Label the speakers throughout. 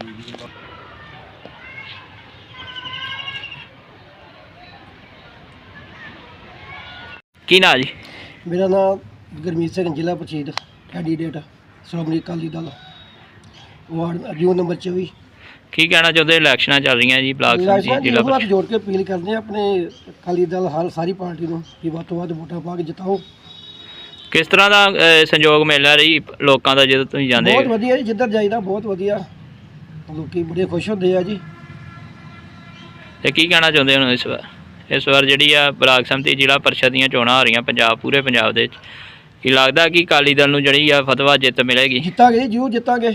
Speaker 1: ਕੀ ਨਾਂ ਜੀ?
Speaker 2: ਮੇਰਾ ਨਾਮ ਗੁਰਮੀਤ ਸਿੰਘ, ਜ਼ਿਲ੍ਹਾ ਪ੍ਰੀਸ਼ਦ ਕੈਂਡੀਡੇਟ ਸ਼੍ਰੋਮਣੀ ਅਕਾਲੀ ਦਲ, ਵਾਰਡ ਜੂਨ ਨੰਬਰ 24।
Speaker 1: ਕੀ ਕਹਿਣਾ ਚਾਹੁੰਦੇ? ਇਲੈਕਸ਼ਨਾਂ ਚੱਲ ਰਹੀਆਂ ਜੀ, ਬਲਾਕ ਸੰਮਤੀ ਜ਼ਿਲ੍ਹਾ
Speaker 2: ਹੱਥ
Speaker 1: ਪ੍ਰੀਸ਼ਦ।
Speaker 2: ਜੋੜ ਕੇ ਅਪੀਲ ਕਰਦੇ ਹਾਂ ਆਪਣੇ ਅਕਾਲੀ ਦਲ ਸਾਰੀ ਪਾਰਟੀ ਨੂੰ ਕਿ ਵੱਧ ਤੋਂ ਵੱਧ ਵੋਟਾਂ ਪਾ ਕੇ ਜਿਤਾਓ।
Speaker 1: ਕਿਸ ਤਰ੍ਹਾਂ ਦਾ ਸੰਯੋਗ ਮਿਲ ਰਿਹਾ ਜੀ ਲੋਕਾਂ ਦਾ ਜਦੋਂ ਤੁਸੀਂ ਜਾਂਦੇ?
Speaker 2: ਬਹੁਤ ਵਧੀਆ ਜੀ, ਜਿੱਧਰ ਜਾਈਦਾ ਬਹੁਤ ਵਧੀਆ, ਲੋਕੀ ਬੜੇ ਖੁਸ਼ ਹੁੰਦੇ ਆ ਜੀ।
Speaker 1: ਤੇ ਕੀ ਕਹਿਣਾ ਚਾਹੁੰਦੇ ਹੋ ਇਸ ਵਾਰ ਜਿਹੜੀ ਆ ਬਲਾਕ ਸੰਮਤੀ ਜ਼ਿਲ੍ਹਾ ਪ੍ਰੀਸ਼ਦ ਦੀਆਂ ਚੋਣਾਂ ਹੋ ਰਹੀਆਂ ਪੂਰੇ ਪੰਜਾਬ ਦੇ ਵਿੱਚ, ਕੀ ਲੱਗਦਾ ਕਿ ਅਕਾਲੀ ਦਲ ਨੂੰ ਜਿਹੜੀ ਆ ਫਤਵਾ ਜਿੱਤ ਮਿਲੇਗੀ?
Speaker 2: ਜਿੱਤਾਂਗੇ ਜੀ, ਜ਼ਰੂਰ ਜਿੱਤਾਂਗੇ,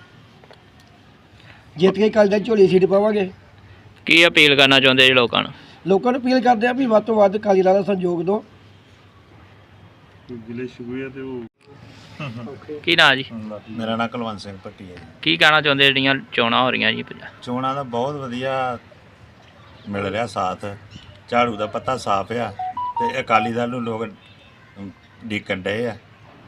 Speaker 2: ਜਿੱਤ ਕੇ ਅਕਾਲੀ ਦਲ ਝੋਲੀ ਸੀਟ ਪਾਵਾਂਗੇ।
Speaker 1: ਕੀ ਅਪੀਲ ਕਰਨਾ ਚਾਹੁੰਦੇ ਜੀ ਲੋਕਾਂ ਨੂੰ?
Speaker 2: ਲੋਕਾਂ ਨੂੰ ਅਪੀਲ ਕਰਦੇ ਆ ਵੀ ਵੱਧ ਤੋਂ ਵੱਧ ਅਕਾਲੀ ਦਲ ਦਾ ਸਹਿਯੋਗ ਦਿਓ।
Speaker 1: ਕੀ ਨਾਂ ਜੀ?
Speaker 3: ਮੇਰਾ ਨਾਮ ਕੁਲਵੰਤ ਸਿੰਘ ਭੱਟੀ ਹੈ ਜੀ।
Speaker 1: ਕੀ ਕਹਿਣਾ ਚਾਹੁੰਦੇ ਜਿਹੜੀਆਂ ਚੋਣਾਂ ਹੋ ਰਹੀਆਂ ਜੀ
Speaker 3: ਚੋਣਾਂ ਦਾ ਬਹੁਤ ਵਧੀਆ ਮਿਲ ਰਿਹਾ ਸਾਥ, ਝਾੜੂ ਦਾ ਪੱਤਾ ਸਾਫ਼ ਆ ਤੇ ਅਕਾਲੀ ਦਲ ਨੂੰ ਲੋਕ ਡੀਕਣ ਡਏ ਆ,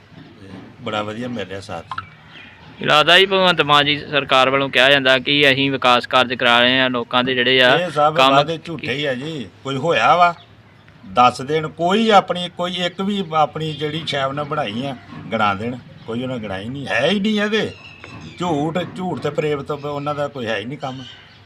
Speaker 3: ਬੜਾ ਵਧੀਆ ਮਿਲ ਰਿਹਾ ਸਾਥ ਜੀ।
Speaker 1: ਲੱਗਦਾ ਜੀ ਭਗਵੰਤ ਮਾਨ ਜੀ ਸਰਕਾਰ ਵੱਲੋਂ ਕਿਹਾ ਜਾਂਦਾ ਕਿ ਅਸੀਂ ਵਿਕਾਸ ਕਾਰਜ ਕਰਾ ਰਹੇ ਹਾਂ, ਲੋਕਾਂ ਦੇ ਜਿਹੜੇ ਆ
Speaker 3: ਇਹ ਸਭ ਵਾਅਦੇ ਝੂਠੇ ਹੀ ਆ ਜੀ। ਕੋਈ ਹੋਇਆ ਵਾ ਦੱਸ ਦੇਣ, ਕੋਈ ਇੱਕ ਵੀ ਆਪਣੀ ਜਿਹੜੀ ਸ਼ੈਵ ਨਾਲ ਬਣਾਈ ਆ ਗਣਾ ਦੇਣ, ਕੋਈ ਉਹਨਾਂ ਗਣਾਈ ਨਹੀਂ, ਹੈ ਹੀ ਨਹੀਂ ਇਹਦੇ। ਝੂਠ ਤੇ ਪ੍ਰੇਮ ਤੋਂ ਉਹਨਾਂ ਦਾ ਕੋਈ ਹੈ ਹੀ ਨਹੀਂ ਕੰਮ।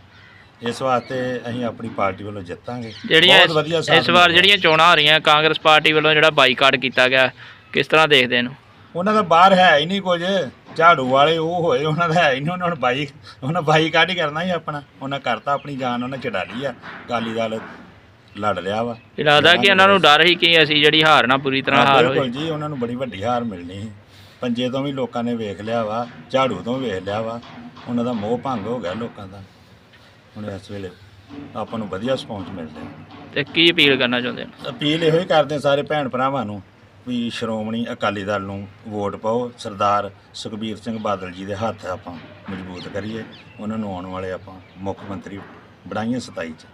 Speaker 3: ਇਸ ਵਾਸਤੇ ਅਸੀਂ ਆਪਣੀ ਪਾਰਟੀ ਵੱਲੋਂ ਜਿੱਤਾਂਗੇ। ਬਹੁਤ ਵਧੀਆ
Speaker 1: ਇਸ ਵਾਰ ਜਿਹੜੀਆਂ ਚੋਣਾਂ ਹੋ ਰਹੀਆਂ ਕਾਂਗਰਸ ਪਾਰਟੀ ਵੱਲੋਂ ਜਿਹੜਾ ਬਾਈਕਾਟ ਕੀਤਾ ਗਿਆ, ਕਿਸ ਤਰ੍ਹਾਂ ਦੇਖਦੇ ਇਹਨੂੰ?
Speaker 3: ਉਹਨਾਂ ਦਾ ਬਾਹਰ ਹੈ ਹੀ ਨਹੀਂ ਕੁਝ, ਝਾੜੂ ਵਾਲੇ ਉਹ ਹੋਏ, ਉਹਨਾਂ ਦਾ ਹੈ ਹੀ ਨਹੀਂ। ਉਹਨਾਂ ਬਾਈਕਾਟ ਹੀ ਕਰਨਾ ਹੀ ਆਪਣਾ, ਉਹਨਾਂ ਕਰਤਾ ਆਪਣੀ ਜਾਨ ਉਹਨਾਂ ਛਡਾ ਲਈ ਆ। ਅਕਾਲੀ ਦਲ ਲੜ ਰਿਹਾ ਵਾ।
Speaker 1: ਇਹ ਲੱਗਦਾ ਕਿ ਉਹਨਾਂ ਨੂੰ ਡਰ ਹੀ ਕਿ ਅਸੀਂ ਜਿਹੜੀ ਹਾਰ ਨਾ ਪੂਰੀ ਤਰ੍ਹਾਂ ਹਾਰ ਹੋਏ।
Speaker 3: ਬਿਲਕੁਲ ਜੀ, ਉਹਨਾਂ ਨੂੰ ਬੜੀ ਵੱਡੀ ਹਾਰ ਮਿਲਣੀ ਸੀ। ਪੰਜੇ ਤੋਂ ਵੀ ਲੋਕਾਂ ਨੇ ਵੇਖ ਲਿਆ ਵਾ, ਝਾੜੂ ਤੋਂ ਵੇਖ ਲਿਆ ਵਾ, ਉਹਨਾਂ ਦਾ ਮੋਹ ਭੰਗ ਹੋ ਗਿਆ ਲੋਕਾਂ ਦਾ। ਹੁਣ ਇਸ ਵੇਲੇ ਆਪਾਂ ਨੂੰ ਵਧੀਆ ਰਿਸਪੌਂਸ ਮਿਲ ਰਿਹਾ।
Speaker 1: ਤੇ ਕੀ ਅਪੀਲ ਕਰਨਾ ਚਾਹੁੰਦੇ ਹੋ?
Speaker 3: ਅਪੀਲ ਇਹੋ ਹੀ ਕਰਦੇ ਸਾਰੇ ਭੈਣ ਭਰਾਵਾਂ ਨੂੰ ਵੀ ਸ਼੍ਰੋਮਣੀ ਅਕਾਲੀ ਦਲ ਨੂੰ ਵੋਟ ਪਾਓ। ਸਰਦਾਰ ਸੁਖਬੀਰ ਸਿੰਘ ਬਾਦਲ ਜੀ ਦੇ ਹੱਥ ਆਪਾਂ ਮਜ਼ਬੂਤ ਕਰੀਏ, ਉਹਨਾਂ ਨੂੰ ਆਉਣ ਵਾਲੇ ਆਪਾਂ ਮੁੱਖ ਮੰਤਰੀ ਬਣਾਈਏ 27 'ਚ।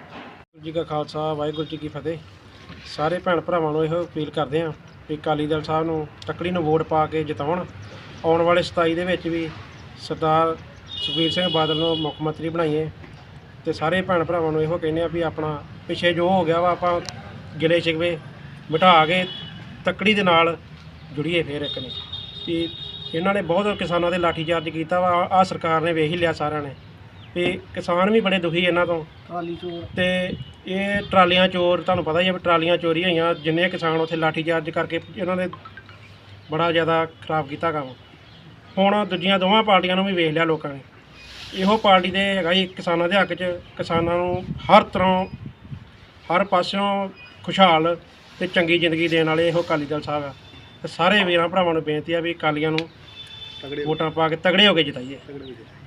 Speaker 2: ਜੀ ਕਾ ਖਾਲਸਾ, ਵਾਹਿਗੁਰੂ ਜੀ ਕੀ ਫਤਿਹ। ਸਾਰੇ ਭੈਣ ਭਰਾਵਾਂ ਨੂੰ ਇਹੋ ਅਪੀਲ ਕਰਦੇ ਹਾਂ ਵੀ ਅਕਾਲੀ ਦਲ ਸਾਹਿਬ ਨੂੰ ਤੱਕੜੀ ਨੂੰ ਵੋਟ ਪਾ ਕੇ ਜਿਤਾਉਣ। ਆਉਣ ਵਾਲੇ 27 ਦੇ ਵਿੱਚ ਵੀ ਸਰਦਾਰ ਸੁਖਬੀਰ ਸਿੰਘ ਬਾਦਲ ਨੂੰ ਮੁੱਖ ਮੰਤਰੀ ਬਣਾਈਏ। ਤੇ ਸਾਰੇ ਭੈਣ ਭਰਾਵਾਂ ਨੂੰ ਇਹੋ ਕਹਿੰਦੇ ਆ ਵੀ ਆਪਣਾ ਪਿੱਛੇ ਜੋ ਹੋ ਗਿਆ ਵਾ ਆਪਾਂ ਗਿਲੇ ਸ਼ਿਕਵੇ ਮਿਟਾ ਕੇ ਤੱਕੜੀ ਦੇ ਨਾਲ ਜੁੜੀਏ। ਫਿਰ ਇੱਕ ਨੇ ਵੀ ਇਹਨਾਂ ਨੇ ਬਹੁਤ ਕਿਸਾਨਾਂ ਦੇ ਲਾਠੀਚਾਰਜ ਕੀਤਾ ਵਾ, ਆਹ ਸਰਕਾਰ ਨੇ ਵੇਖ ਹੀ ਲਿਆ ਸਾਰਿਆਂ ਨੇ ਵੀ ਕਿਸਾਨ ਵੀ ਬੜੇ ਦੁਖੀ ਇਹਨਾਂ ਤੋਂ। ਟਰਾਲੀ ਚੋਰ ਤੇ ਇਹ ਟਰਾਲੀਆਂ ਚੋਰ, ਤੁਹਾਨੂੰ ਪਤਾ ਹੀ ਹੈ ਵੀ ਟਰਾਲੀਆਂ ਚੋਰੀ ਹੋਈਆਂ। ਜਿੰਨੇ ਕਿਸਾਨ ਉੱਥੇ ਲਾਠੀਚਾਰਜ ਕਰਕੇ ਇਹਨਾਂ ਨੇ ਬੜਾ ਜ਼ਿਆਦਾ ਖਰਾਬ ਕੀਤਾ ਕੰਮ। ਹੁਣ ਦੂਜੀਆਂ ਦੋਵਾਂ ਪਾਰਟੀਆਂ ਨੂੰ ਵੀ ਵੇਖ ਲਿਆ ਲੋਕਾਂ ਨੇ। ਇਹੋ ਪਾਰਟੀ ਦੇ ਹੈਗਾ ਜੀ ਕਿਸਾਨਾਂ ਦੇ ਹੱਕ 'ਚ, ਕਿਸਾਨਾਂ ਨੂੰ ਹਰ ਤਰ੍ਹਾਂ ਹਰ ਪਾਸਿਓਂ ਖੁਸ਼ਹਾਲ ਤੇ ਚੰਗੀ ਜ਼ਿੰਦਗੀ ਦੇਣ ਵਾਲੇ ਇਹੋ ਅਕਾਲੀ ਦਲ ਸਾਹਿਬ ਆ। ਤੇ ਸਾਰੇ ਵੀਰਾਂ ਭਰਾਵਾਂ ਨੂੰ ਬੇਨਤੀ ਆ ਵੀ ਅਕਾਲੀਆਂ ਨੂੰ ਵੋਟਾਂ ਪਾ ਕੇ ਤਗੜੇ ਹੋ ਕੇ ਜਿਤਾਈਏ।